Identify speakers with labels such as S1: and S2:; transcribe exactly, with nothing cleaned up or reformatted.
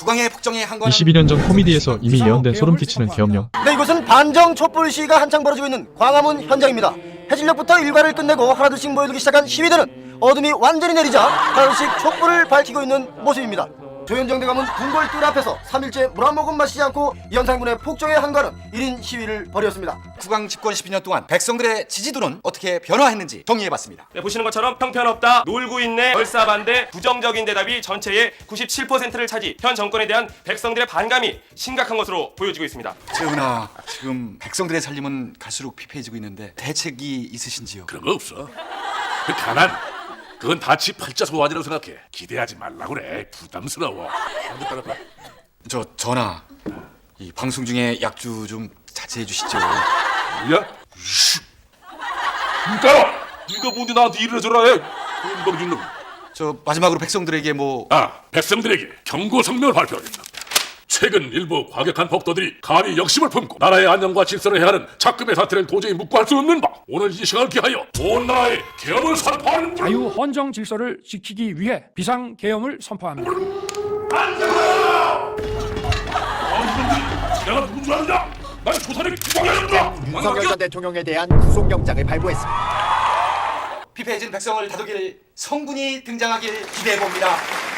S1: 국왕의 폭정에 한 건
S2: 이십이 년 전 코미디에서 이미 예언된 소름끼치는 계엄령.
S3: 네, 이곳은 반정 촛불 시위가 한창 벌어지고 있는 광화문 현장입니다. 해질녘부터 일과를 끝내고 하나둘씩 모여들기 시작한 시위대는 어둠이 완전히 내리자 하나둘씩 촛불을 밝히고 있는 모습입니다. 조현정 대감은 궁궐 뜰 앞에서 삼 일째 물 한 모금 마시지 않고 연산군의 폭정에 한가하는 일 인 시위를 벌였습니다.
S1: 국왕 집권 십이 년 동안 백성들의 지지도는 어떻게 변화했는지 정리해봤습니다.
S4: 네, 보시는 것처럼 형편없다, 놀고 있네, 얼싸반대, 부정적인 대답이 전체의 구십칠 퍼센트를 차지, 현 정권에 대한 백성들의 반감이 심각한 것으로 보여지고 있습니다.
S1: 재훈아, 지금 백성들의 살림은 갈수록 피폐해지고 있는데 대책이 있으신지요?
S5: 그런 거 없어. 그 가난, 그건 다치 팔자 소환이라고 생각해. 기대하지 말라고 그래. 부담스러워.
S1: 저 전하, 이 방송 중에 약주 좀 자제해 주시죠.
S5: 야, 씨, 진짜로? 네가 뭔데 나한테 이래 저래 해? 공범진 놈.
S1: 저 마지막으로 백성들에게 뭐
S5: 아, 백성들에게 경고 성명을 발표하겠다. 최근 일부 과격한 폭도들이 감히 역심을 품고 나라의 안녕과 질서를 해하는 작금의 사태를 도저히 묵고할 수 없는 바, 오늘 이 시간을 기하여 온 나라의 계엄을 선포하는
S6: 자유 헌정 질서를 지키기 위해 비상 계엄을 선포합니다.
S5: 내가 누군 줄 아느냐? 난 조선의 국왕이었다.
S7: 윤석열 전 대통령에 대한 구속영장을 발부했습니다.
S1: 피폐해진 백성을 다독일 성군이 등장하길 기대해 봅니다.